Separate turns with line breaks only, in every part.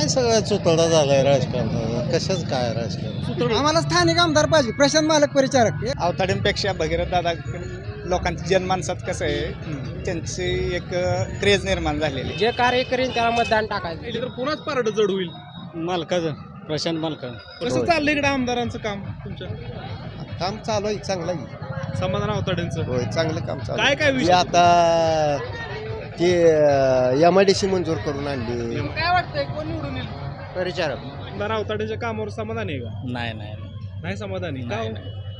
काय सगळं चुतडा झालाय राजकारणाचा, कशाच काय राजकारण.
आम्हाला स्थानिक आमदार पाहिजे, प्रशांत मालक परिचारक.
अवताड्यांपेक्षा भगीरथ दादा लोकांची जनमानसात कसं आहे त्यांची एक क्रेज निर्माण झालेली.
जे कार्य करेल त्याला मतदान टाकायचं.
तर पुन्हाच पारड जड होईल.
मालकाचं प्रशांत मालकाचं
कसं चाललंय इकडे आमदारांचं काम तुमच्या?
काम चालू आहे, चांगलं आहे.
समाधान अवताड्यांचं
होय, चांगलं काम चालू
काय काय विषय?
आता ते MIDC मंजूर करून आणली.
काय वाटतंय कोण निवडून येईल?
परिचारक
आमदार अवताड्यांच्या कामावर समाधान आहे का?
नाही नाही
नाही समाधानी का हो?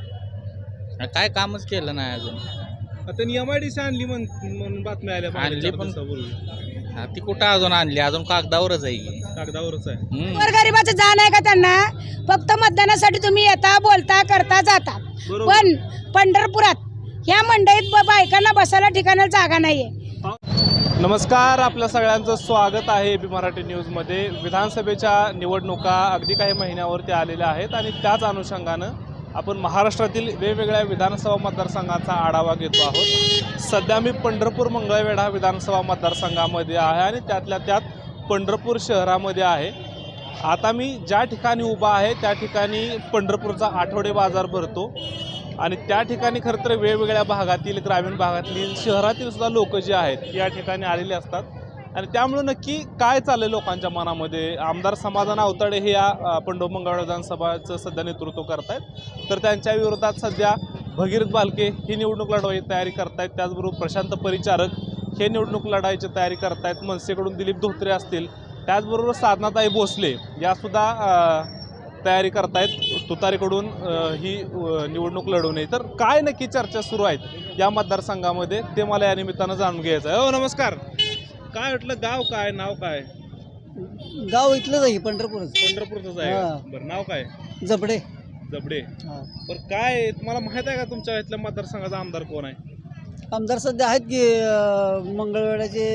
काय कामच केलं नाही अजून.
त्यांनी MIDC आणली म्हणून बातम्या आल्या
आणली
चार
पण-
दिवसापूर्वी.
ती कुठं अजून आणली, अजून कागदावरच आहे की.
कागदावरच आहे.
गोरगरिबाचं जाण आहे का त्यांना? फक्त मतदानासाठी तुम्ही येता, बोलता, करता, जाता.
बरोबर.
पण पंढरपुरात ह्या मंडईत बायकांना बसायला ठिकाणाला जागा नाहीये.
नमस्कार, आपल्या सगळ्यांचं स्वागत आहे एबी मराठी न्यूजमध्ये. विधानसभेच्या निवडणुका अगदी काही महिन्यावरती आलेल्या आहेत आणि त्याच अनुषंगानं आपण महाराष्ट्रातील वेगवेगळ्या विधानसभा मतदारसंघाचा आढावा घेतो आहोत. सध्या मी पंढरपूर मंगळवेढा विधानसभा मतदारसंघामध्ये आहे आणि त्यातल्या त्यात पंढरपूर शहरामध्ये आहे. आता मी ज्या ठिकाणी उभा आहे त्या ठिकाणी पंढरपूरचा आठवडे बाजार भरतो आणि त्या ठिकाणी खरं तर वेगवेगळ्या भागातील, ग्रामीण भागातील, शहरातील सुद्धा लोक जे आहेत या ठिकाणी आलेले असतात आणि त्यामुळं नक्की काय चाललं लोकांच्या मनामध्ये. आमदार समाधान अवताडे हे या पंढरपूर मंगळवेढा विधानसभाचं सध्या नेतृत्व करतायत, तर त्यांच्या विरोधात सध्या भगीरथ बालके ही निवडणूक लढवायची तयारी करतायत. त्याचबरोबर प्रशांत परिचारक हे निवडणूक लढायची तयारी करतायत. मनसेकडून दिलीप धोत्रे असतील, त्याचबरोबर साधनाताई भोसले यासुद्धा तयारी करतायत तुतारीकडून ही निवडणूक लढवणे. तर काय नक्की चर्चा सुरू आहेत या मतदारसंघामध्ये ते मला या निमित्तानं जाणून घ्यायचं आहे. हो नमस्कार, काय वाटलं, गाव काय, नाव काय?
गाव इथलंच आहे, पंढरपूरच.
पंढरपूरच आहे का? बरं, नाव काय?
जबडे.
जबडे. बरं, काय तुम्हाला माहित आहे का तुमच्या इथल्या मतदारसंघाचा आमदार कोण आहे?
आमदार सध्या आहेत की मंगळवेढ्याचे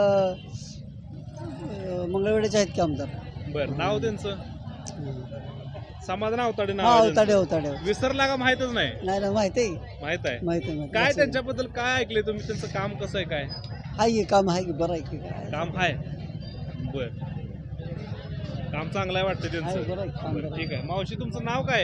आहेत की आमदार.
बरं, नाव त्यांचं? समाधान अवताडे
हा,
नाव.
अवताडे.
विसरला का? माहितच नाही.
नाही ना, माहिती आहे,
माहित आहे.
माहिती आहे.
काय त्यांच्याबद्दल काय ऐकले तुम्ही? त्यांचं काम कसं आहे? काय
आहे की काम आहे की बरं आहे की काय
काम आहे? बर, काम चांगलं आहे वाटतं
आहे,
त्यांचं.
बरं आहे काम
बरं,
बरं आहे.
ठीक आहे. मावशी, तुमचं नाव काय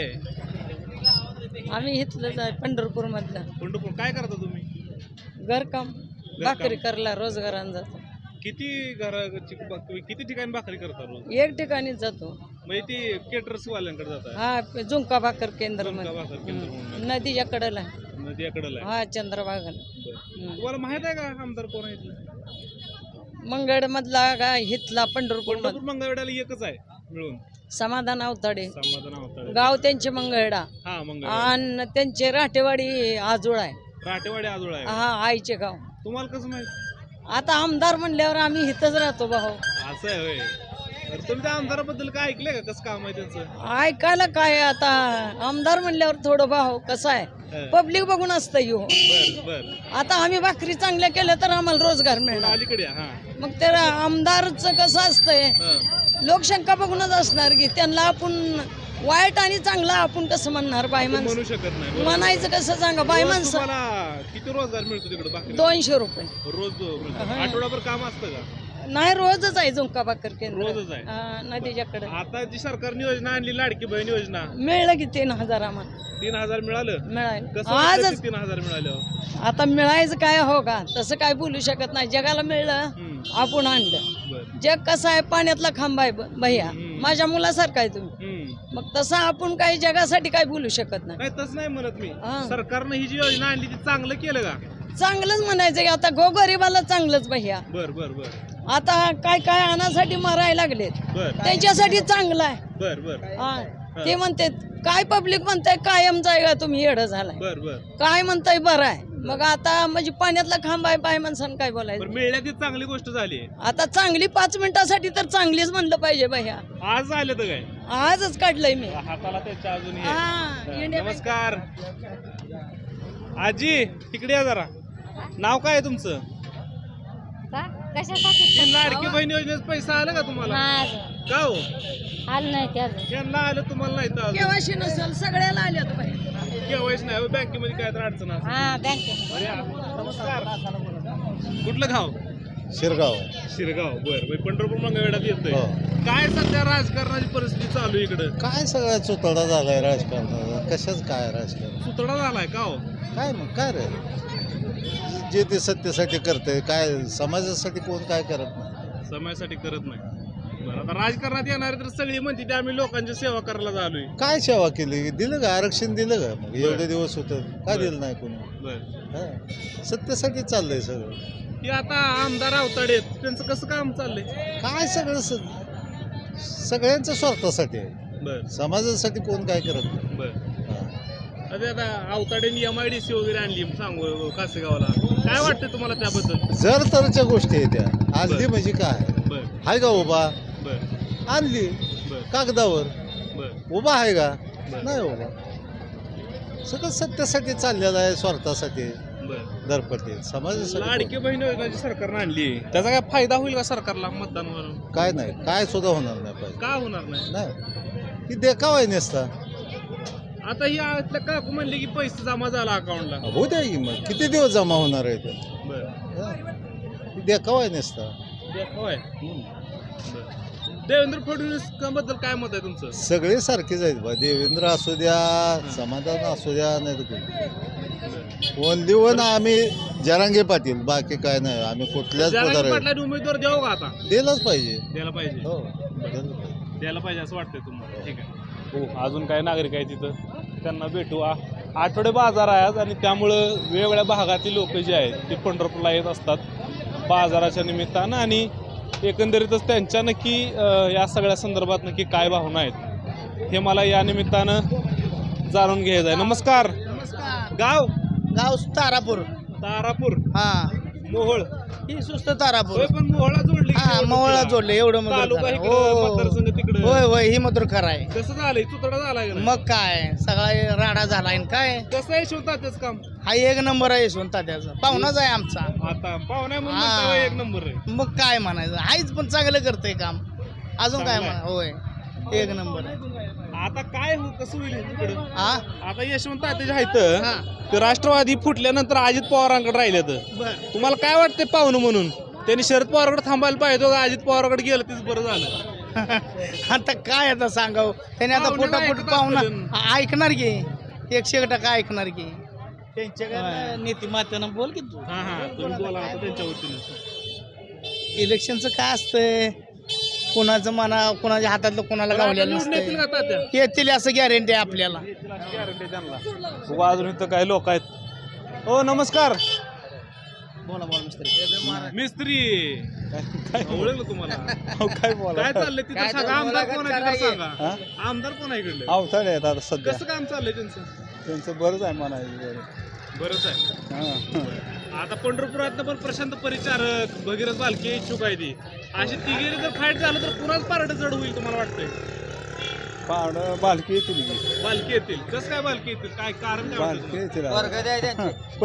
आहे?
आम्ही इथलंच आहे, पंढरपूर मधलं.
पंढरपूर. काय करता तुम्ही?
घरकाम, भाकरी करायला रोजगारानं जातो.
किती किती ठिकाणी भाकरी करता रोज?
एक ठिकाणीच जातो.
म्हणजे ती केटरर्स वाल्यांकडे जातात?
हा, झुंका भाकर केंद्र
झुणका भाकर केंद्र म्हणून आहे.
नदीच्या कडेला.
नदीकडे आहे.
हा, चंद्रभागाला.
तुम्हाला माहित आहे का आमदार कोण आहे?
मंगळ मधला का हितला पंढरपूर
पंढरपूर मंगळवेढ्याला एकच आहे मिळून,
समाधान अवताडे.
समाधान अवताडे.
गाव त्यांचे मंगळवेढा
हा, मंगळ.
आणि त्यांचे राटेवाडी आजोळ आहे.
राटेवाडी आजोळ आहे.
हा, आईचे गाव.
तुम्हाला कसं माहित?
आता आमदार म्हणल्यावर आम्ही इथंच राहतो भाऊ.
असं आहे होय. तर तुम्ही त्या आमदाराबद्दल काय ऐकलंय का? कसं काम आहे त्यांचं?
ऐकायला काय आता, आमदार म्हणल्यावर थोडं भाऊ कसं आहे, पब्लिक बघून असतं यो.
बर बर.
आता आम्ही भाकरी चांगल्या केल्या तर आम्हाला रोजगार मिळणार.
अलीकडे या. हा
मग त्या आमदारचं कसं असतंय,
हा.
लोकसंख्या बघूनच असणार की त्यांना आपण वाईट आणि चांगला आपण कसं म्हणणार? बाई
म्हणू
माणसं
शकत नाही. बरोबर.
म्हणायचं कसं सांगा, बाई
रोज
माणसं.
तुम्हाला किती रोजगार मिळतो तिकडे? बाकी
200 रुपये
रोज मिळतो.
हा.
आठवडाभर काम असतं का?
नाही, रोजच आहे झुंका भाकर केंद्र.
रोजच आहे.
नदीच्याकडे.
आता जी सरकारने योजना आणली, लाडकी बहीण योजना,
मिळलं की 3000 आम्हाला
3000 मिळालं.
मिळालं
कसं वाटलं
आजच.
ते 3000 मिळालं?
आता मिळायचं काय हो का, तसं काय बोलू शकत नाही. जगाला मिळलं, आपण आणलं.
बर.
जग कसं आहे, पाण्यातला खांब आहे भैया. माझ्या मुलासारखं आहे तुम्ही. मग तसं आपण काही जगासाठी काय बोलू शकत नाही.
नाही, तसं नाही म्हणत मी.
हा.
सरकारनं ही जी योजना आणली ती चांगलं केलं का?
चांगलंच म्हणायचं की आता गोगरिबाला चांगलंच भैया.
बर बर बर
आता काय काय आणासाठी मारायला लागलेत,
बर
त्यांच्यासाठी चांगलं आहे.
बर बर
हा, ते म्हणते काय पब्लिक म्हणताय कायम जायगा तुम्ही येडं झालाय,
बर बर.
काय म्हणताय बरं आहे. मग आता म्हणजे पाण्यातला खांब आहे, बाय माणसानं काय बोलायचं.
बरं, मिळल्या ती चांगली गोष्ट झाली.
आता चांगली 5 मिनिटासाठी तर चांगलीच म्हणलं पाहिजे भैया.
आज आले तर काय?
आजच काढलंय मी.
हाताला त्याच्या अजून हे.
हा, इंडिया बँक.
नमस्कार आजी, तिकडे या जरा. नाव काय आहे तुमचं?
कशासाठी?
लाडकी बहीण योजनेचा पैसा आला का तुम्हाला? का हो?
आलं नाही त्याचं.
त्यांना आलं, तुम्हाला नाही तर
केवायसी नसेल, सगळ्याला आल्यात भैया.
केवायसी नाही. बँकेमध्ये काय तर अडचण असेल.
हा, बँकेत.
नमस्कार. कुठलं गाव?
शिरगाव
शिरगाव बरं पंढरपूर मंगळवेढ्यात येतोय
हो.
काय सध्या राजकारणाची परिस्थिती चालू आहे इकडं
काय सगळा चुतडा झालाय राजकारणाचा कशाच काय राजकारण
सुतडा झालाय का हो
काय मग काय रे जे ते सत्तेसाठी करते काय समाजासाठी कोण काय करत नाही
समाजासाठी करत नाही बरं आता राजकारणात येणारे तर सगळी म्हणते ते आम्ही लोकांची सेवा करायला झालोय
काय सेवा केली दिलं का आरक्षण दिलं का मग एवढे दिवस होतं काय दिलं नाही कोणी
बरं
हा. सत्तेसाठी चाललंय सगळं
की आता आमदार अवताडे आहेत, त्यांचं कसं काम चाललंय
काय सगळं सगळ्यांच्या स्वार्थासाठी आहे
बरं
समाजासाठी कोण काय करत नाही
बरं
हा.
आता अवताडेंनी MIDC वगैरे आणली सांगू कासेगावला काय वाटतं तुम्हाला त्याबद्दल
जर तरच्या गोष्टी आहेत त्या आणली म्हणजे काय
बरं
आहे का उभा
बरं
आणली
बरं
कागदावर
बरं
उभा आहे का
बरं.
नाही उभा सगळं सत्तेसाठी चाललेलं आहे स्वार्थासाठी
बरं
दरपट्टी समाजासाठी
लाडकी बहीण योजनाची सरकारनं आणली त्याचा काय फायदा होईल का सरकारला मतदानावरून
काय नाही काय सुद्धा होणार नाही पाहिजे
का होणार नाही
नाही ती देखावा आहे नसता
आता ही आतल्या काकू म्हणले की पैसे जमा झाला अकाउंटला
होऊ द्या की मग किती दिवस जमा होणार आहे ते
बरं
हा. ती देखावा आहे नसता
होय देवेंद्र फडणवीस बद्दल काय मत आहे तुमचं
सगळे सारखेच आहेत बा देवेंद्र असू द्या समाधान असू द्या नाही तर ओनली वन आम्ही जरांगे पाटील बाकी काय नाही आम्ही कुठल्याच
जरांगे
पदार
पाटलांनी उमेदवार द्यावं का आता
दिलंच पाहिजे
द्यायला पाहिजे
हो दिलं पाहिजे.
द्यायला पाहिजे असं वाटतंय तुम्हाला ठीक आहे हो अजून काही नागरिक आहे तिथं त्यांना भेटू आठवडे बाजार आहे आज आणि त्यामुळं वेगवेगळ्या भागातील लोक जे आहेत ते पंढरपूरला येत असतात बाजाराच्या निमित्तानं आणि एकंदरीतच त्यांच्या नक्की या सगळ्या संदर्भात नक्की काय भावना आहेत हे मला या निमित्तानं जाणून घ्यायचं आहे नमस्कार गाव
गाव तारापूर
तारापूर
हा
मोहोळ
ही सुस्त तारापूर
होय पण मोहोळला जोडली की
हा
निवडणुकीला?
मवळला जोडले एवढं मधुर
तालुका
खरं.
इकडं,
हो,
मतदारसंघ तिकडं.
होय होय ही मधुर खरं आहे
कसं झालंय तुतडा झालाय का नाही?
मग काय सगळा राडा झाला आणि काय
कसं आहे शिवताच काम
हा एक नंबर आहे यशवंत त्याचा पाहुणाच आहे आमचा
आता पाहुण्या म्हणून
हा.
म्हणता एक नंबर आहे
मग काय म्हणायचं हाच पण चांगलं करतंय काम अजून काय
चांगलं आहे.
म्हणा होय एक नंबर आहे
आता काय कसं होईल तिकडं
हा
आता यशवंत तात्याचे आहेत ते राष्ट्रवादी फुटल्यानंतर अजित पवारांकडे राहिले तर तुम्हाला काय वाटतंय पाहुणं म्हणून त्यांनी शरद पवारकडे थांबायला पाहिजे का अजित पवारकडे गेलं तेच बरं झालं
आता काय आता सांगाव त्याने आता
पाहुण्याला
पोटापोट
ऐकत
पाहुणा
असतील.
ऐकणार की 100% ऐकणार की त्यांच्या नीतिमात्यानं बोल की तू
हा हा तुम्ही बोला आता त्यांच्या वतीने
इलेक्शनचं काय असतंय कोणाचं म्हणा कोणाच्या हातातलं कोणाला गावलेलं
निवडून येतील
नसतंय
का तात्या?
येतील असं गॅरंटी आहे आपल्याला
गॅरंटी त्यांना उगा अजून इथं काही लोक आहेत हो नमस्कार
बोला बोला मिस्त्री
मिस्त्री ओळखलं तुम्हाला
काय बोला
काय चाललंय तिथं सांगा आमदार कोण आहे तिथं सांगा आमदार कोण आहे इकडले
अवताडे आहेत आता सध्या
कसं काम चाललंय त्यांचं
त्यांचं बरंच आहे म्हणायचं
बरंच आहे आता पंढरपुरात पण प्रशांत परिचारक भगीरथ बालके इच्छुक आहे ती अशी तिघेरी जर फाईट झालं तर कुणाच पारड जड होईल तुम्हाला वाटतंय
पाहुणं बालकी येतील
बालके येतील कसं काय बालके येतील काय कारण काय वाटतं
बालकी
तुम्हाला?
येतील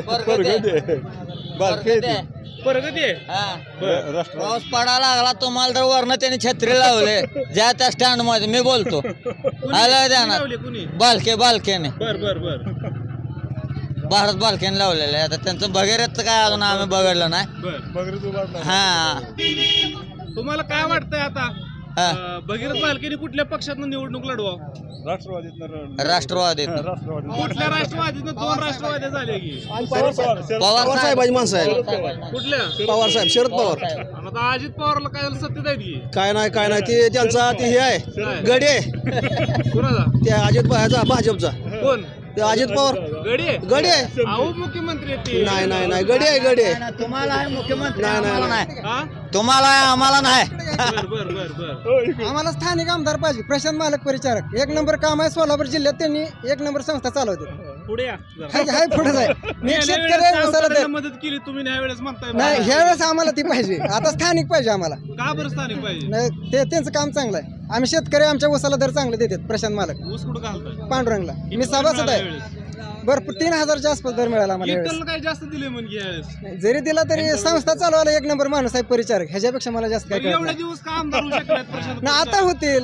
बालकी येतील
प्रगती आहे बरं.
राष्ट्रवादी
पाऊस पडायला लागला तुम्हाला तर वरनं त्यांनी छत्री लावले ज्या त्या स्टँड मध्ये मी बोलतो
कुणी-
आलं
कुणी
ध्यानात.
लावले कुणी
बालकेने
बर बर बर
भारत बालकेने लावलेलं आहे आता त्यांचं भगीरथचं काय अजून आम्ही बघितलं नाही
बर
बगरीत उभारणार
हा
तुम्हाला काय वाटतंय आता
हा.
भगीरथ बालकेने कुठल्या पक्षातनं निवडणूक लढवा
राष्ट्रवादीत
कुठल्या राष्ट्रवादीतनं 2 राष्ट्रवादी झाले की
पवार साहेबाची माणसं आहे
कुठल्या
पवार साहेब शरद पवार
आता अजित पवारला काय झालं सत्तेत आहेत की
काय नाही ते त्यांचा ते हे आहे
काय?
गडी आहे
कुणाचा
त्या अजित ह्याचा भाजपचा
कोण
ते अजित पवार
गडी आहे
गडी आहे
अहो मुख्यमंत्री आहेत ते.
नाही गडी आहे
तुम्हाला आहे मुख्यमंत्री
नाही, नाही,
आम्हाला
नाही.
हा?
तुम्हाला आहे, आम्हाला नाही
बर बर बर बर
आम्हाला स्थानिक आमदार पाहिजे प्रशांत मालक परिचारक 1 नंबर काम आहे सोलापूर जिल्ह्यात त्यांनी 1 नंबर संस्था चालवते
पुढे या जरा.
हाय पुढे आहे मी एक
गेल्या
शेतकरी
वेळेस
आहे,
त्या
उसाला
अवताड्याला
दर.
मदत केली तुम्ही ह्या वेळेस म्हणताय
नाही ह्या वेळेस आम्हाला ती पाहिजे आता स्थानिक पाहिजे आम्हाला
का बरं स्थानिक पाहिजे
नाही, त्यांचं काम चांगलं आहे आम्ही शेतकरी आमच्या उसाला दर चांगले देतात प्रशांत मालक
ऊस कुठं घालताय
पांडुरंगला
किती
मी सभासद
मिळाला
आहे
यावेळेस?
भरपूर 3000च्या आसपास दर मिळाला आम्हाला यावेळेस.
इथलं काय जास्त दिले म्हणजे यावेळेस
नाही, जरी दिला तरी संस्था चालवायला 1 नंबर माणूस आहे परिचारक ह्याच्यापेक्षा मला जास्त काय
मग
कळत
एवढे
नाही
दिवस का आमदार होऊ शकत नाहीत प्रशांत
ना आता होतील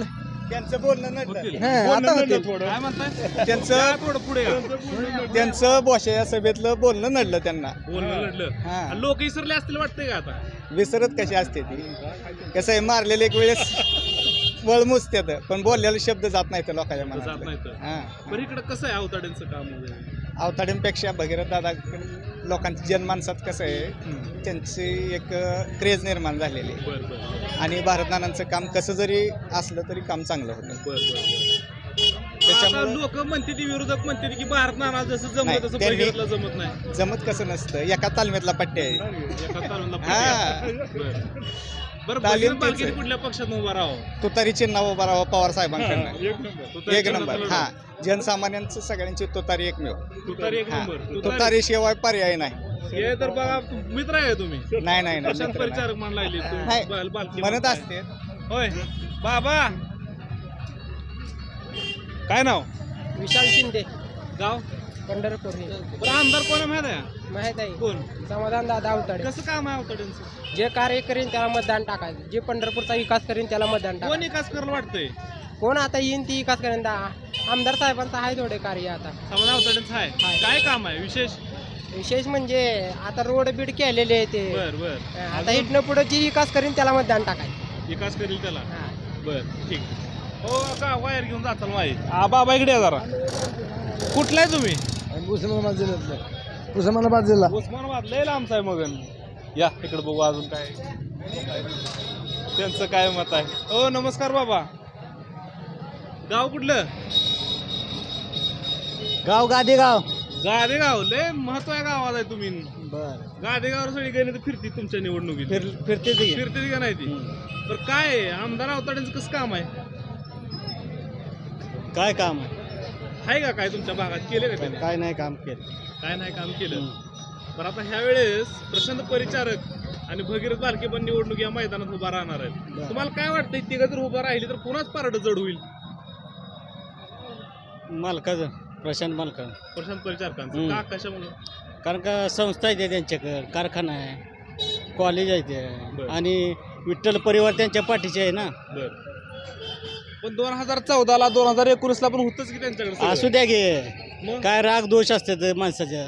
त्यांचं बोलणं नडलं
होतील.
बोलणं
आता
नडलं
होतील.
थोडं
काय म्हणताय
त्यांचं
थोडं पुढे या.
त्यांचं बोशा या सभेतलं बोलणं नडलं त्यांना
बोलणं लढलं
हा.
लोक इसरले असतील वाटतंय का आता
विसरत कशी असते ती कसं आहे मारलेले एक वेळेस वळ मुजत्यात पण बोललेला शब्द जात नाही तर लोकांच्या
जात
मनात
नाही तर
हा
बरं इकडं कसं आहे अवताड्यांचं काम वगैरे
अवताड्यांपेक्षा भगीरथ दादा लोकांची जनमानसात कसं आहे त्यांची एक क्रेज निर्माण झालेली आहे
बरं बरं
आणि भारतनानांचं काम कसं जरी असलं तरी काम चांगलं होतं
त्याच्यामुळे
त्याच्यामुळं
लोक म्हणते ती विरोधक म्हणते की भारत नाना जसं जमत
नाही,
तसं
त्यांनी-
भगीरथला जमत नाही
जमत कसं नसतं एका तालमीतला पट्टे आहे
एका तालुक्याला
हा.
बरं बरं
तालीम
भगीरथ बालकेने
तेच.
कुठल्या पक्षात उभा राहावं
तुतारी चिन्ह उभा राहावं पवार साहेबांकडनं
तुतारी
एक
चिन्ह
नंबर
चालवलं.
हा जनसामान्यांचं सगळ्यांची तुतारी एकमेव
तुतारी एक
हा.
नंबर
तुतारी शिवाय पर्याय नाही
हे तर बघा मित्र आहे तुम्ही
नाही नाही नाही,
प्रशांत
मित्र नाही.
परिचारक म्हणून लागले
नाही,
बालकी
म्हणत
म्हणताय.
असते
होय बाबा काय नाव
विशाल शिंदे
गाव
पंढरपूर
बरं आमदार कोण आहे माहिती आहे
माहित आहे
कोण
समाधान दादा अवताडे
कसं काम आहे अवताड्यांचं
जे कार्य करीन त्याला मतदान टाकायचं जे पंढरपूरचा विकास करीन त्याला मतदान
कोण
टाकायचं
विकास करायला वाटतंय
कोण आता येईन ती विकास करेन आमदार साहेबांचं आहे थोडे कार्य आता
समाधान अवताड्यांचं आहे
आहे.
काय काम आहे विशेष
विशेष म्हणजे आता रोड बीड केलेले आहे ते
बर बर
आता इथनं पुढे जी विकास करीन त्याला मतदान टाकायचं
विकास करील त्याला
हा.
बर ठीक हो का वायर घेऊन जाताल माही बाबा इकडे या जरा कुठला आहे तुम्ही
उस्मानाबाद जिल्ह्यातलं उस्मानाबाद जिल्हा
उस्मानाबाद लय लांबचा आहे मगन या इकडे बघू अजून काय त्यांचं काय मत आहे हो नमस्कार बाबा गाव कुठलं
गाव गादेगाव
गादेगाव लय महत्व आहे गावात आहे तुम्ही
बर
गादेगावर सगळी गणित फिरती तुमच्या निवडणुकीत
फिरते
फिरते का नाही ती तर काय आहे? आमदार अवताड्यांचं कसं काम आहे
काय काम आहे
आहे का काय तुमच्या भागात केले का त्याने
काय नाही काम केलं
काय नाही काम केलं पण आता ह्या वेळेस प्रशांत परिचारक आणि भगीरथ बालके पण निवडणूक या मैदानात उभा राहणार आहेत तुम्हाला काय वाटतं तिघं जर उभा राहिली तर पुन्हाच पारड जड होईल
मालकाचं प्रशांत मालका
प्रशांत परिचारकांचं का कशामुळे
कारण का संस्था आहे त्यांच्याकडे कारखाना आहे कॉलेज आहे
बरं.
ते आणि विठ्ठल परिवार त्यांच्या पाठीचे आहे ना
बर पण 2014ला 2019ला पण होतच की त्यांच्याकडे
असू द्या गे
मग
काय राग दोष असतात माणसाच्या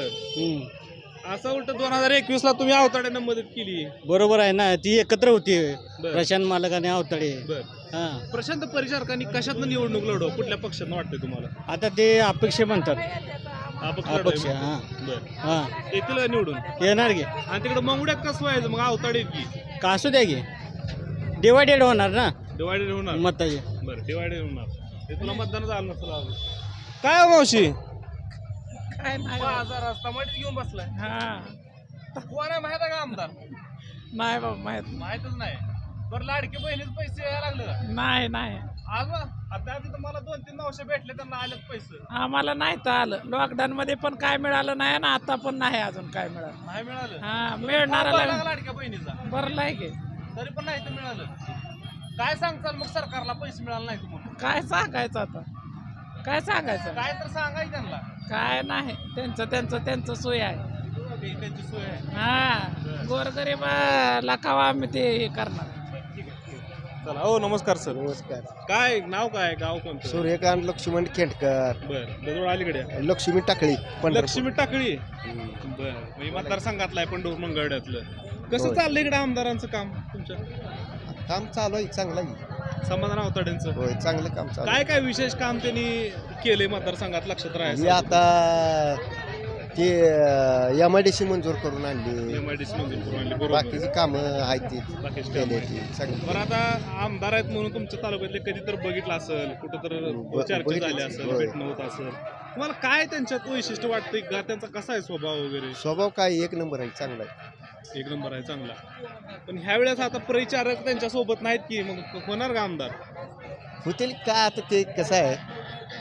बर असं उलट 2021ला तुम्ही अवताड्यांना मदत केली
बरोबर आहे ना ती एकत्र होती
बर
प्रशांत मालक आणि अवताडे
बर
हा
प्रशांत परिचारकांनी कशातनं निवडणूक लढव कुठल्या पक्षानं वाटतंय तुम्हाला
आता ते अपेक्षा म्हणतात
अपक्ष
अपक्ष
लढवायचं.
हा
बर
हा
येतील का निवडून
येणार गे
आणि तिकडे मंगुड्यात कसं व्हायचं मग अवताडे की
का असू द्या गे डिवायडेड होणार ना
डिवायडेड होणार
मताचे
बरं डिवायडेड होणार ते तुला मतदान झालं नसेल अजून काय हो मावशी
काय
बाजार रस्ता मडीत घेऊन बसलाय
हा
कोण आहे माहित आहे का आमदार
नाही बाबा
माहितच नाही बरं लाडके बहिणीच पैसे यायला लागलं का?
नाही नाही
आज ना आता आधी तर मला 2-3 नवशे भेटले त्यांना आलेत पैसे
आम्हाला नाही तर आलं लॉकडाऊन मध्ये पण काय मिळालं नाही ना आता पण नाही अजून काय मिळालं
नाही मिळालं
हा
भरला
मिळणार
का लाडक्या बहिणीचा
बरं की
तरी पण नाही तर मिळालं काय सांगचाल मग सरकारला पैसे मिळाले नाही तुम्हाला
काय सांगायचं आता काय सांगायचं
काय तर सांगाय त्यांना
काय नाही त्यांचं सोय आहे
त्यांची सोय आहे
हा गोरगरीबाला खावा आम्ही ते हे करणार
चला हो नमस्कार सर
नमस्कार
काय नाव काय गाव कोणतं
सूर्यकांत लक्ष्मण खेंडकर
बर दजवळ अलीकडे
लक्ष्मी टाकळी
लक्ष्मी टाकळी बर म्हणजे मतदारसंघातलं आहे पंढरपूर मंगळड्यातलं कसं
होय.
चाललंय इकडे आमदारांचं काम तुमच्या
काम चालू आहे चांगलं आहे
समाधान अवताड्यांचं
होय चांगलं काम चालू
काय काय विशेष काम त्यांनी केले मतदारसंघात लक्षात
हे
राहायचं
आता ते MIDC मंजूर करून आणली
MIDC मंजूर करून आणली, बरोबर.
बाकीची कामं आहेत ती
बाकीची
केली
कामं.
ती सगळी
बरं आता आमदार आहेत म्हणून तुमच्या तालुक्यातले कधी तर बघितलं असेल कुठं तर चर्चा
बघितलं
झाली असेल
होय.
भेटणं होत असेल तुम्हाला काय त्यांच्यात वैशिष्ट्य वाटतंय का त्यांचा कसा आहे स्वभाव वगैरे
स्वभाव काय एक नंबर आहे चांगला आहे
एक नंबर आहे चांगला पण ह्या वेळेस आता परिचारक त्यांच्या सोबत नाहीत की मग होणार का आमदार
होतील का आता ते कसं आहे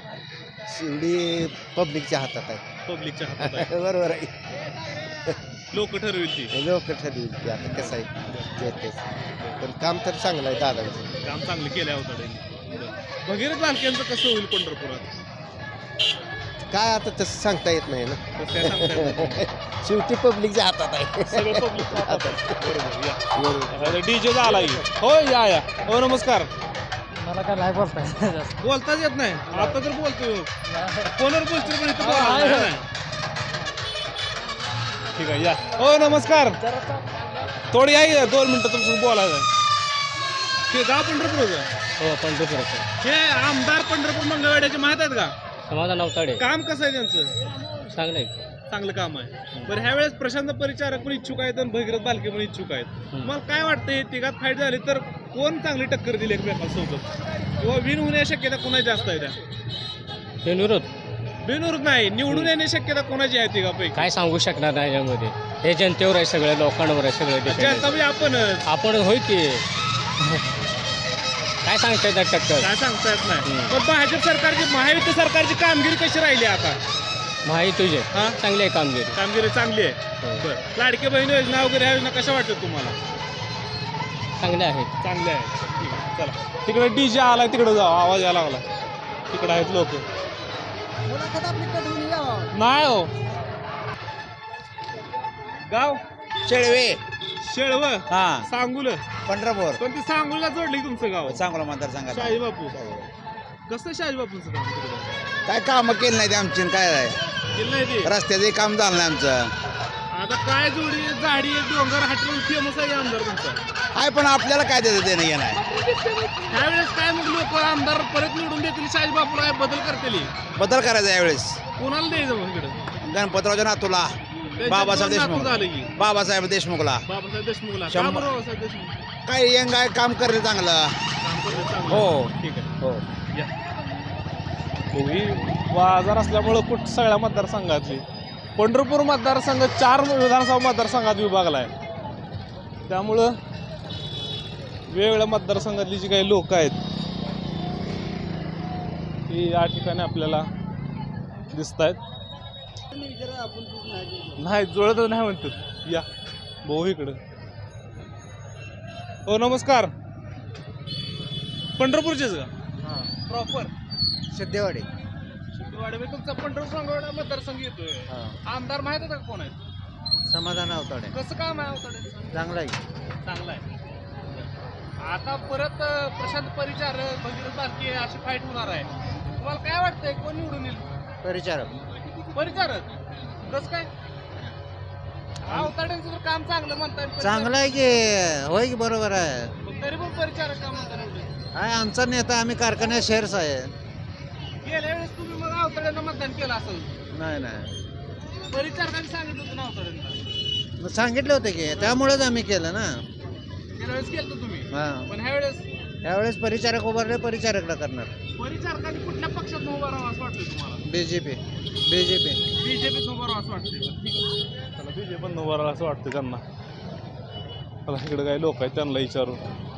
शेवटी पब्लिकच्या हातात आहे
पब्लिकच्या हातात आहे
बरोबर आहे
लोक ठरविल ती
लोक ठरवतील की आता कसं आहे ते तेच. पण काम तर चांगलं आहे दादांचं
काम चांगलं केलं होतं भगीरथ बालकेंचं कसं होईल पंढरपुरात
काय आता तसं सांगता येत नाही ना
तसं काय सांगता येत नाही.
शेवटी पब्लिकच्या हातात आहे
सगळं पब्लिक बरोबर या डीजे झाला हो या हो नमस्कार
मला काय नाही बोलताय
बोलताच येत नाही आता तर बोलतो फोनवर बोलतो पण इथं बोलायला नाही ना. ठीक आहे या. हो नमस्कार थोडी या 2 मिनिटं तुमचं बोलायचं आहे. ते गाव पंढरपूर
हो पंढरपूर
हे आमदार पंढरपूर मंगळवेढ्याचे माहित आहेत का?
समाधान अवताडे
काम कसं आहे त्यांचं?
चांगलंय
चांगलं काम आहे. बरं ह्या वेळेस प्रशांत परिचारक पण इच्छुक आहेत आणि भगीरथ बालके पण इच्छुक आहेत. तुम्हाला काय वाटतंय तिघात फाईट झाली तर कोण चांगली टक्कर दिली एकमेकांसोबत किंवा विन होण्याची शक्यता कोणाची जास्त आहे? त्या
विरोध
बिनविरोध नाही निवडून येण्याची शक्यता कोणाची आहे तिघापैकी?
काय सांगू शकणार नाही यामध्ये हे जनतेवर आहे सगळ्या लोकांवर आहे सगळं
जनता म्हणजे आपणच
आपण होय की काय सांगता येतात टक्कर
काय सांगता येत नाही. पण भाजप सरकारची महायुती सरकारची कामगिरी कशी राहिली आता?
माहिती तुझे
हा?
चांगली आहे कामगिरी
कामगिरी चांगली आहे. बरं लाडके बहीण योजना वगैरे ह्या योजना कशा वाटतात तुम्हाला?
चांगले आहेत
चांगले आहे. ठीक आहे चला तिकडे डीजे आला तिकडे जाऊ आवाज यायला लागला तिकडे आहेत लोक नाही हो. गाव
शेळवे
शेळव
हा
सांगुल
पंढरपूर
पण ती सांगुलला जोडली तुमचं गाव.
चांगला मतदारसंघात
शाही बापू कसं शाही बापूंचं काम तिकडे?
काय काम केलं नाही ते आमची काय आहे
केलं नाही ते.
रस्त्याचं काम झालं नाही आमचं
आता काय जोडी झाडी डोंगर हाटून फेमस आहे आमदार तुमचा.
आहे पण आपल्याला काय देतं देणं घेणं आहे
त्यावेळेस काय मग लोक आमदार परत निवडून देतील शाही बापूला बदल करतील
बदल करायचा यावेळेस
कोणाला द्यायचं मग इकडे?
गणपतरावच्या नातूला
त्यांच्या
बाबासाहेब
दोन नातू
देशमुख
झालं की
बाबासाहेब देशमुखला
बाबासाहेब देशमुखला. का
शंभर.
बरं बाबासाहेब देशमुख?
काय यंग आहे काम करेल चांगलं
काम करतं चांगलं.
हो
ठीक आहे
हो
या.
बाजार असल्यामुळं सगळ्या मतदारसंघातली पंढरपूर मतदारसंघ 4 विधानसभा मतदारसंघात विभागला आहे. त्यामुळं वेगवेगळ्या मतदारसंघातली जी काही लोक आहेत ती या ठिकाणी आपल्याला दिसत आहेत. नाही जुळतच नाही म्हणतात. या भाऊ इकडं. हो नमस्कार पंढरपूरचेच का? प्रॉपर
सिद्धेवाडी
शिंदेवाडी तुमचा पंढरपूर मंगळवेढा मतदारसंघ येतोय. आमदार माहित आहे का कोण आहे?
समाधान अवताडे
कसं काम आहे अवताडे?
चांगला आहे
चांगला आहे. आता परत प्रशांत परिचारक भगीरथ बालके अशी फाईट होणार आहे. तुम्हाला काय वाटतंय कोण निवडून येईल?
परिचारक
परिचारक कसं काय? अवताड्यांचं तर काम चांगलं म्हणताय.
चांगलं आहे की होय की बरोबर आहे
पण तरी पण परिचारक का म्हणता निवडून?
आहे आमचा नेता आम्ही कारखान्यात शेअर्स आहे
गेल्या वेळेस तुम्ही मग अवताड्यांना मतदान केलं असेल.
नाही नाही
परिचारकांनी सांगितलं होतं ना अवताड्यांना.
मग सांगितलं होतं की त्यामुळेच आम्ही केलं ना
गेल्या वेळेस केलं तुम्ही
हां
पण ह्या वेळेस
यावेळेस परिचारक उभारले परिचारकला करणार
परिचारकांनी कुठल्या पक्षात उभा राहावं असं वाटतंय तुम्हाला?
बीजेपी
बीजेपीत उभा राहावं असं वाटतंय. ठीक आहे.
त्याला बीजे पण उभारायला असं वाटतं त्यांना. मला इकडे काही लोक आहेत त्यांना विचारू.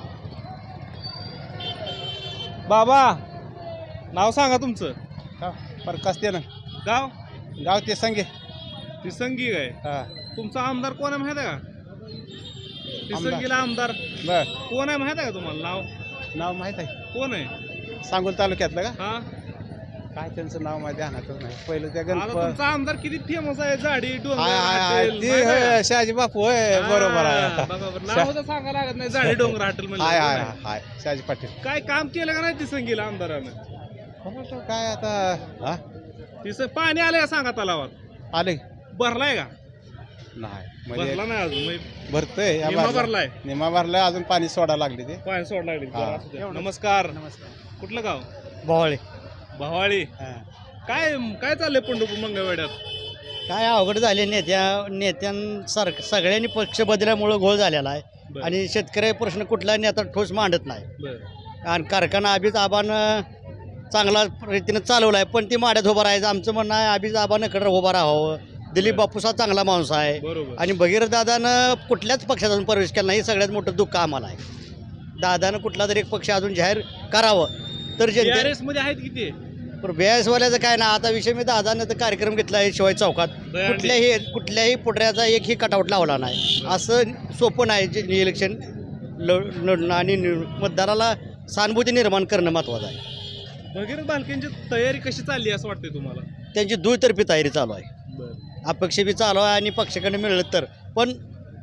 बाबा नाव सांगा तुमचं.
प्रकाश ते ना
गाव
गाव ते संगे
तिसंगी काय?
हा
तुमचा आमदार कोण आहे माहित आहे का? तिसंगीला आमदार
बर
कोण आहे माहित आहे का तुम्हाला? नाव
नाव माहीत आहे
कोण आहे?
सांगोल तालुक्यातलं का
हा
काय त्यांचं नाव माझ्या ध्यानातच नाही पहिलं त्या
आता
गणपत
तुमचा आमदार किती फेमस आहे. झाडी डोंगर
हाय हाय हाय
हॉटेल,
ती
माहित आहे
होय,
का?
शहाजी बापू होय बरोबर
हा,
आहे
बघा बरं. नाव तर सांगा लागत नाही. झाडी डोंगर हॉटेल
हाय हाय
म्हणजे
हाय शहाजी पाटील
काय काम केलं का नाही तिसंगीला आमदारानं?
काय आता हा
तिसं पाणी आलंय का सांगा तलावात?
आले
भरलाय का?
नाही
भरला
म्हणजे
नाही अजून म्हणजे
भरतोय या
निम्मा
बाजूला.
भरलाय.
निम्मा भरलाय अजून पाणी सोडा लागले ते
पाणी सोड लागली.
हा.
बरं, असू द्या. नमस्कार कुठलं गाव?
भोवळे
भवाळी. काय काय चाललंय पंढरपूर मंगळवेढ्यात?
काय अवघड झाले नेत्यांसारखं सगळ्यांनी पक्ष बदलल्यामुळं घोळ झालेला आहे
बरं.
आणि शेतकरी प्रश्न कुठला नेता ठोस मांडत नाही.
बरं.
आणि कारखाना अभिज आबानं चांगला रीतीनं चालवला आहे पण ती माड्यात उभं राहायचं आमचं म्हणणं आहे. अभिज आबानं कडे उभं राहावं. दिलीप बापूसा चांगला माणूस आहे
बरोबर.
आणि भगीरथ दादानं कुठल्याच पक्षात अजून प्रवेश केला नाही. सगळ्यात मोठं दुःख आम्हाला आहे. दादानं कुठला तरी एक पक्ष अजून जाहीर करावं तर जनते
TRS मध्ये आहेत किती?
बेसवाल्याचं काय ना आता विषय मी दादानं तर कार्यक्रम घेतला आहे शिवाय चौकात
दहीहंडी.
कुठल्याही पुढऱ्याचा एकही कटआउट लावला नाही. असं सोपं नाही जे इलेक्शन लढणं आणि मतदाराला सहानुभूती निर्माण करणं महत्त्वाचं आहे.
भगीरथ बालकेंची तयारी कशी चालली असं वाटतंय तुम्हाला?
त्यांची दुतर्फी तयारी चालू आहे.
बरं.
अपक्ष बी चालू आहे आणि पक्षाकडे मिळलं तर पण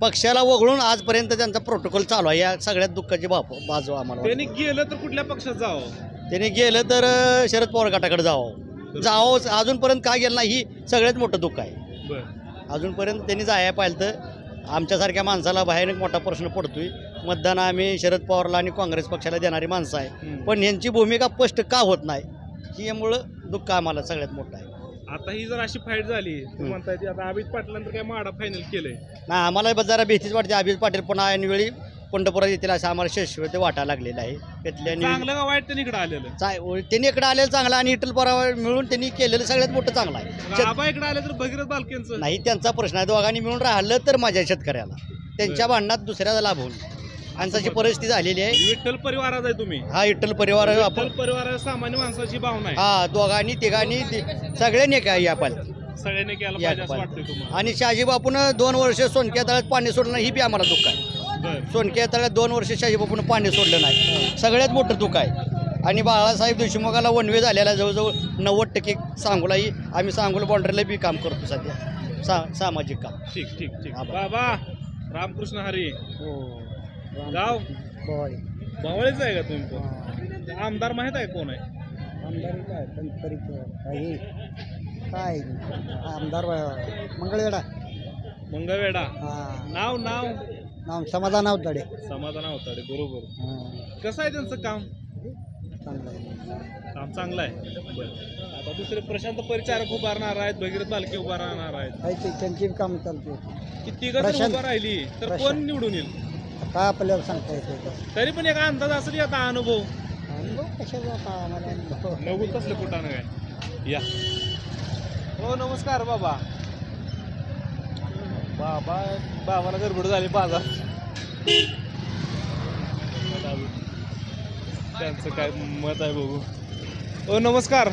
पक्षाला वगळून आजपर्यंत त्यांचा प्रोटोकॉल चालू आहे. या सगळ्यात दुःखाची बाजू आम्हाला
त्यांनी
वाटते.
गेलं तर कुठल्या पक्षात जावं?
त्यांनी गेलं तर शरद पवार गटाकडे जावं अजूनपर्यंत का गेलं नाही ही सगळ्यात मोठं दुःख आहे.
बर
अजूनपर्यंत त्यांनी जायला पाहिलं तर आमच्यासारख्या माणसाला बाहेर एक मोठा प्रश्न पडतोय. मतदान आम्ही शरद पवारला आणि काँग्रेस पक्षाला देणारी माणसं आहे, पण यांची भूमिका स्पष्ट का होत नाही ही यामुळं दुःख आम्हाला सगळ्यात मोठं आहे.
आता ही जर अशी फाईट झाली तुम्ही म्हणताय ती आता अभित पाटलांतर काय माडा फायनल केलंय.
नाही आम्हाला जरा भीतीच वाटते. अभिजित पाटील पुन्हा ऐनवेळी पंढरपुरात येतील असं आम्हाला शिष्यवृत्ती वाटायला लागलेलं आहे.
चांगलं का वाईट त्यांनी इकडे आलेलं?
त्यांनी इकडे आलेलं चांगलं आणि इटल परावर मिळून त्यांनी केलेलं सगळ्यात मोठं चांगलं आहे.
आबा इकडे आले तर भगीरथ बालकेंचं
नाही त्यांचा प्रश्न आहे. दोघांनी मिळून राहिलं तर माझ्या शेतकऱ्याला त्यांच्या भांडणात दुसऱ्याला लाभ होईल. माणसाची परिस्थिती झालेली आहे.
विठ्ठल परिवारात आहे तुम्ही.
हा विठ्ठल परिवार
विठ्ठल परिवार सामान्य माणसाची भावना आहे.
हा दोघांनी तिघांनी सगळ्यांनी काय या पाल
सगळ्यांनी केलं पाहिजे असं वाटतंय तुम्हाला?
आणि शहाजीबापून 2 वर्ष सोनक्या तळ्यात पाणी सोडलं नाही ही बी आम्हाला दुःख आहे.
बरं.
सोनक्या तळ्यात 2 वर्ष शहाजीबापून पाणी सोडलं नाही सगळ्यात मोठं दुःख आहे. आणि बाळासाहेब देशमुखाला वनवे झालेला जवळजवळ 90% सांगोलाही आम्ही सांगोला बाउंड्रीला बी काम करतो सध्या सामाजिक काम.
ठीक ठीक ठीक. बाबा रामकृष्ण हरी. गाव बावळीच आहे का तुम्ही पण? आमदार माहित आहे कोण आहे?
काय आमदार मंगळवेढा
मंगळवेढा. नाव नाव
नाव समाधान अवताडे.
समाधान अवताडे बरोबर. कसं आहे त्यांचं काम? काम चांगलं आहे. बरं. आता दुसरे प्रशांत परिचारक उभारणार आहेत, भगीरथ बालके उभारणार आहेत.
त्यांची काम चालते.
किती गजर उभा राहिली तर कोण निवडून येईल?
काय आपल्याला सांगता येतं.
तरी पण एक अंदाज असेल आता अनुभव.
कशाचा
नगू तसलं कुठं काय. या हो नमस्कार बाबा. बाबाला गडबड झाली बाजार. त्यांचं काय मत आहे बघू. हो नमस्कार.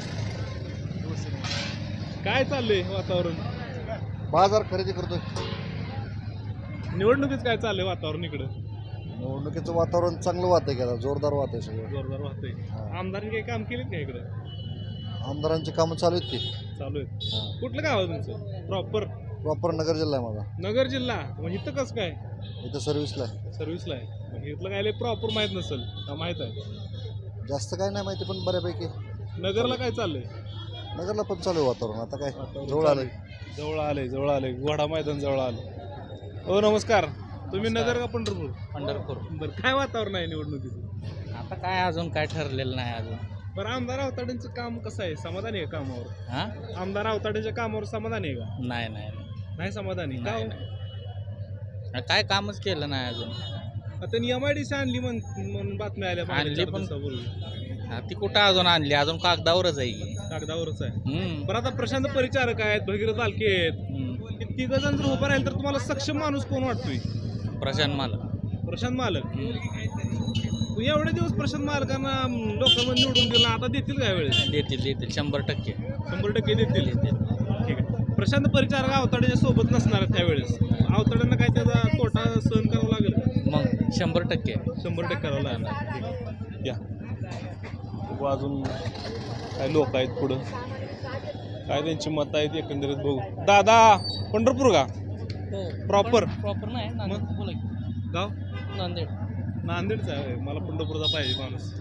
काय चाललंय वातावरण?
बाजार खरेदी करतोय.
निवडणुकीत काय चाललंय वातावरण इकडं?
निवडणुकीचं वातावरण चांगलं वाहतंय का? जोरदार वाहतंय सगळं.
जोरदार वाहतंय. आमदारांनी काही काम केलेत का इकडं?
आमदारांची कामं चालू आहेत की.
चालू आहेत. कुठलं गाव आहे तुमचं?
प्रॉपर नगर जिल्हा आहे माझा.
नगर जिल्हा. मग इथं कसं काय?
इथं सर्व्हिसला आहे.
सर्व्हिसला आहे. मग इथलं काय प्रॉपर माहित नसेल का? माहित आहे.
जास्त काय नाही माहिती पण बऱ्यापैकी.
नगरला काय चाललंय?
नगरला पण चालू आहे वातावरण. आता काय जवळ आलंय.
जवळ आलंय घोडा मैदान जवळ आलं. हो नमस्कार. तुम्ही नगर का पंढरपूर?
पंढरपूर.
बरं काय वातावरण आहे निवडणुकीचं?
आता काय अजून काय ठरलेलं नाही अजून.
बरं आमदार आवताडेंचं काम कसं आहे? समाधानी आहे कामावर?
हा
आमदार आवताडेंच्या कामावर समाधानी आहे का?
नाही नाही
नाही समाधानी का?
काय कामच केलं नाही अजून.
आता MIDC आणली म्हणून बातम्या आल्या.
आणली पण ती कुठं अजून आणली? अजून कागदावरच आहे की.
कागदावरच आहे. बरं आता प्रशांत परिचारक आहेत, भगीरथ बालके आहेत. तिघ जण जर उभं राहील तर तुम्हाला सक्षम माणूस कोण वाटतोय?
प्रशांत मालक.
एवढे दिवस प्रशांत मालकांना लोकांमध्ये निवडून दिलं, आता देतील काय वेळेस?
देतील 100%.
100% देतील. ठीक आहे. प्रशांत परिचारक आवताड्याच्या सोबत नसणार त्यावेळेस. आवताड्यांना काय त्याचा तोटा सहन करावा लागेल का?
मग 100%.
100% करावं लागणार. या अजून काय लोक आहेत पुढं, काय त्यांची मतं आहेत एकंदरीत बघू. दादा पंढरपूर का? प्रॉपर
नाही
बोला. गाव नांदेडचा आहे. मला पंढरपूरचा पाहिजे माणूस.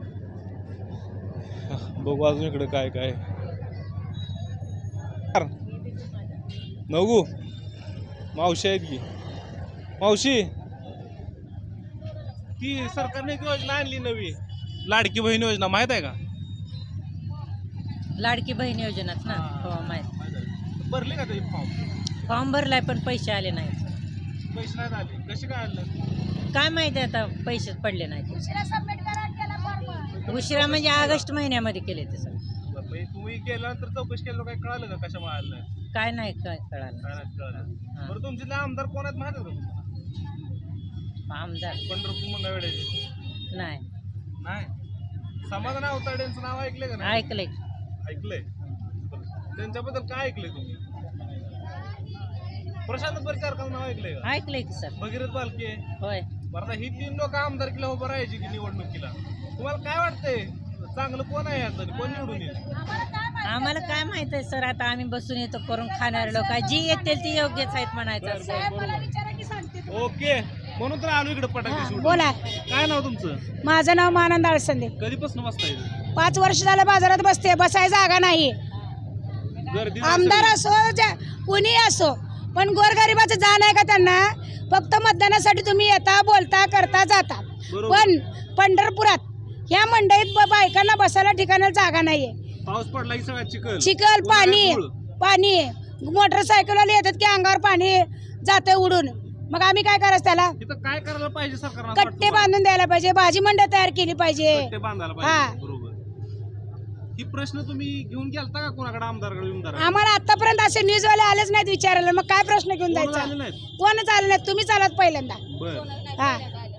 बघू अजून इकडे काय काय. नवगू मावशी आहेत की. मावशी ती सरकारने एक योजना आणली नवी, लाडकी बहीण योजना माहित आहे का?
लाडकी बहीण योजनाच ना. हो माहित.
भरले का ते
फॉर्म भरलाय पण पैसे आले नाहीत.
पैसे नाही आले. कसे काय आणलं
काय माहिती आता पैसेच पडले नाहीत. उशिरा म्हणजे ऑगस्ट महिन्यामध्ये केले ते सर.
तुम्ही केल्यानंतर चौकशी केलं काय कळालं का कशा आलं?
काय नाही काय कळालं.
बरं तुमचे आमदार कोण आहेत माहिती आहे का?
आमदार
पंढरपूर मंगळवेढ्याचे
नाही.
नाही. समाधान आवताड्यांचं नाव ऐकलंय का? नाही ऐकलंय. त्यांच्याबद्दल काय ऐकलंय तुम्ही? प्रशांत परिचारकाचं नाव ऐकलंय का?
ऐकलंय की सर.
भगीरथ बालके.
होय.
बरं ही 3 लोक आमदारकीला उभं राहायची की निवडणुकीला, तुम्हाला काय वाटतंय चांगलं कोण आहे याचं? कोण निवडून येईल?
आम्हाला काय माहित आहे सर. आता आम्ही बसून येतो करून खाणारे लोक जी येतील ती योग्यच आहेत म्हणायचं.
ओके, म्हणून तर आलो इकडे पटाके
हा,
शूट.
बोला.
काय नाव तुमचं?
माझं नाव मानंद आळसंदे.
कधीपासून बसता इथं?
5 वर्ष झालं बाजारात बसते, बसाय जागा नाही.
गर्दी नाही
आमदार
सगळी.
असो कुणी असो, पण गोरगरिबाचं जाण आहे का त्यांना? फक्त मतदानासाठी तुम्ही येता, बोलता, करता, जाता.
बरोबर.
पण पंढरपुरात ह्या मंडईत बायकांना बसायला ठिकाणाला जागा नाहीये.
पाऊस पडला की सगळा चिखल
चिखल, पाणी
धूळ.
पाणी, मोटरसायकलवाले येतात की अंगावर पाणी जातं उडून. मग आम्ही काय करायचं त्याला?
इथं काय करायला पाहिजे सरकारनं?
कट्टे बांधून द्यायला पाहिजे, भाजी मंडळ तयार केली पाहिजे.
कट्टे बांधायला
हा.
पाहिजे. बरोबर. ही प्रश्न तुम्ही घेऊन गेलता का कोणाकडे? आमदारकडे विमदार
आम्हाला आतापर्यंत असे न्यूजवाले आलेच नाहीत विचारायला. मग काय प्रश्न घेऊन
आले
जायचा?
नाहीत.
कोणच आले नाहीत. तुम्ही चालत पहिल्यांदा.
बर.
हा,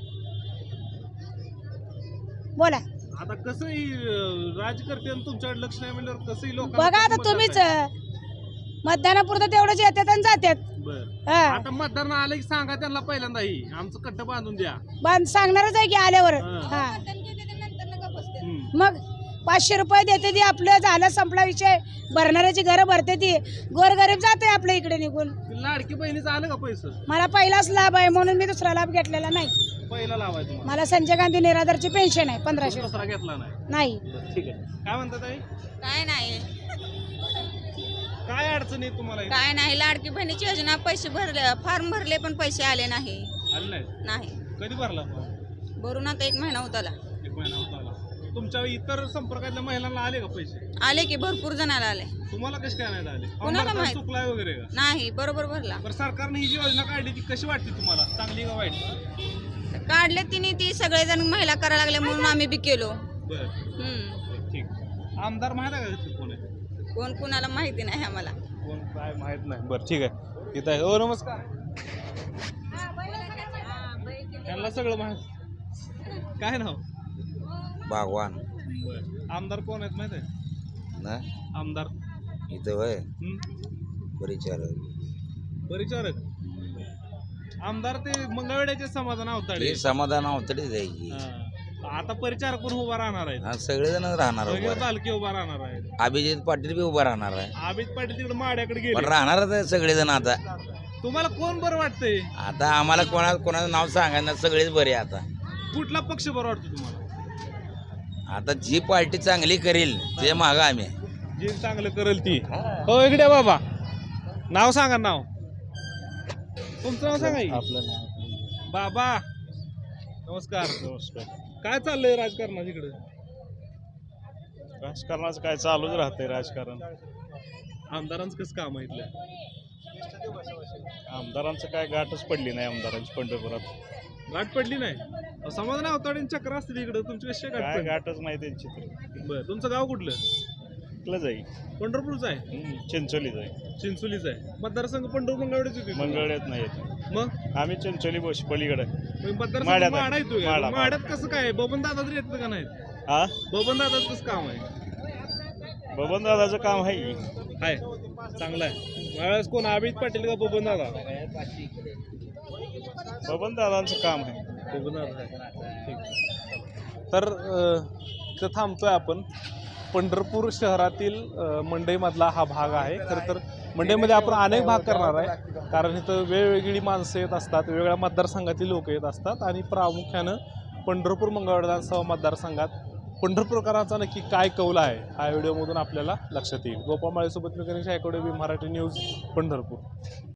बोला.
आता कसंही राजकर्ते तुमच्याकडे लक्ष नाही म्हणल्यावर कसंही लोक
बघा आता तुम्हीच मतदानापुरतं तेवढंच येतात आणि जातात.
बर.
हा,
आता मतदार आलं की सांगा त्यांना पहिल्यांदा ही आमचं कट्ट बांधून द्या.
सांगणारच आहे की आल्यावर.
हा.
हा,
हम्म.
मग 500 रुपये देते ती, आपलं झालं संपला विषय. भरणाऱ्याची घरं भरते ती, गोरगरीब जाते आपल्या इकडे निघून.
लाडकी बहिणीचं आलं का पैसे?
मला पहिलाच लाभ आहे म्हणून मी दुसरा लाभ घेतलेला नाही.
पहिला लावायचं मला.
मला संजय गांधी निराधारची पेन्शन आहे 1500
दुसरा घेतला नाही.
नाही.
बरं, ठीक आहे. काय म्हणतात ताई?
काय नाही
काय अडचण आहे तुम्हाला इथं?
काय नाही लाडकी बहिणीची योजना पैसे भरले, फॉर्म भरले पण पैसे आले नाही.
आलं नाही.
नाही
कधी भरला?
भरून आता 1 महिना होत आला.
1 महिना होत आला. तुमच्या इतर संपर्कातल्या महिलांना आले का पैसे?
आले की भरपूर जणाला आले.
तुम्हाला कसे काय नाही आले?
कोणाला
आम्हाला
माहित?
चुकलाय वगैरे का?
नाही बरोबर भरला.
बरं, सरकारने ही जी योजना काढली ती कशी वाटते तुम्हाला? चांगली का वाईट?
काढले तिने ती सगळेजण महिला करायला लागले म्हणून आम्ही बी केलो.
बरं, ठीक. आमदार माहित आहे का इथं कोण आहे?
कोण कुणाला माहिती नाही आम्हाला.
कोण काय माहित नाही. बरं, ठीक आहे. इथं आहे. हो, नमस्कार. त्यांना सगळं माहित. काय नाव?
बागवान
बरं. आमदार कोण आहेत माहित आहे?
ना
आमदार
इथं वय
हं?
परिचारक
परिचारक. आमदार ते मंगळवेड्याचे समाधान अवताडे.
समाधान अवतडे जायची.
हा. आता परिचारक पण उभा राहणार आहेत.
हा, सगळेजण राहणार
वगैरे
उभा.
तालुके उभा राहणार आहेत.
अभिजित पाटील बी उभा राहणार आहे.
अमित पाटील तिकडे माड्याकडे
पण
गेले.
राहणारच आहे सगळेजण. आता
तुम्हाला कोण बरं वाटतंय?
आता आम्हाला कोणाचं नाव सांगायला सगळेच बरे. आता
कुठला पक्ष बरं वाटतो तुम्हाला?
आता जी पार्टी चांगली करेल ते मागा आम्ही.
जे चांगलं करेल ती. हो, इकडे बाबा, नाव सांगा. नाव तुमचं नाव सांगा की.
आपलं नाव.
बाबा नमस्कार.
नमस्कार.
काय चाललंय राजकारणात इकडे?
राजकारणाचं काय चालूच राहतंय राजकारण.
आमदारांचं कसं काम आहे इथलं?
आमदारांचं काय गाठच पडली नाही आमदारांची पंढरपुरात.
गाठ पडली नाही? समाधान अवताडे चक्र असतील इकडे. तुमची कशी गाठ
काय
पडली?
गाठच नाही त्यांची तर.
बरं. तुमचं गाव कुठलं?
इथलं जाई
पंढरपूरचं आहे?
चिंचोली जाई.
चिंचोलीचं आहे. मतदारसंघ पंढरपूर मंगळवेढ्याच येतो.
मंगळवेढ्यात नाही येत.
मग
आम्ही चिंचोली पलीकडे.
मतदारसंघ
माढ्यात आहे.
माढा येतो.
माढा.
माढ्यात कसं काय? बबन दादा तरी येतं का नाही?
हा,
बबन दादाचं कसं काम आहे?
बबन दादाचं काम आहे.
आहे, चांगलं आहे. यावेळेस कोण? अमित पाटील का बबन दादा?
बबन दादांचं काम आहे.
बबन दादा आहे. ठीक.
तर इथं थांबतोय आपण. पंढरपूर शहरातील मंडईमधला हा भाग आहे. खरं तर मंडईमध्ये आपण अनेक भाग करणार आहे, कारण इथं वेगवेगळी माणसं येत असतात, वेगवेगळ्या मतदारसंघातील लोक येत असतात आणि प्रामुख्यानं पंढरपूर मंगळवेढा विधानसभा मतदारसंघात पंढरपूरकरांचा नक्की काय कौल आहे हा व्हिडिओमधून आपल्याला लक्षात येईल. गोपाळ माळेसोबत मी गणेश आयकोडे, मराठी न्यूज, पंढरपूर.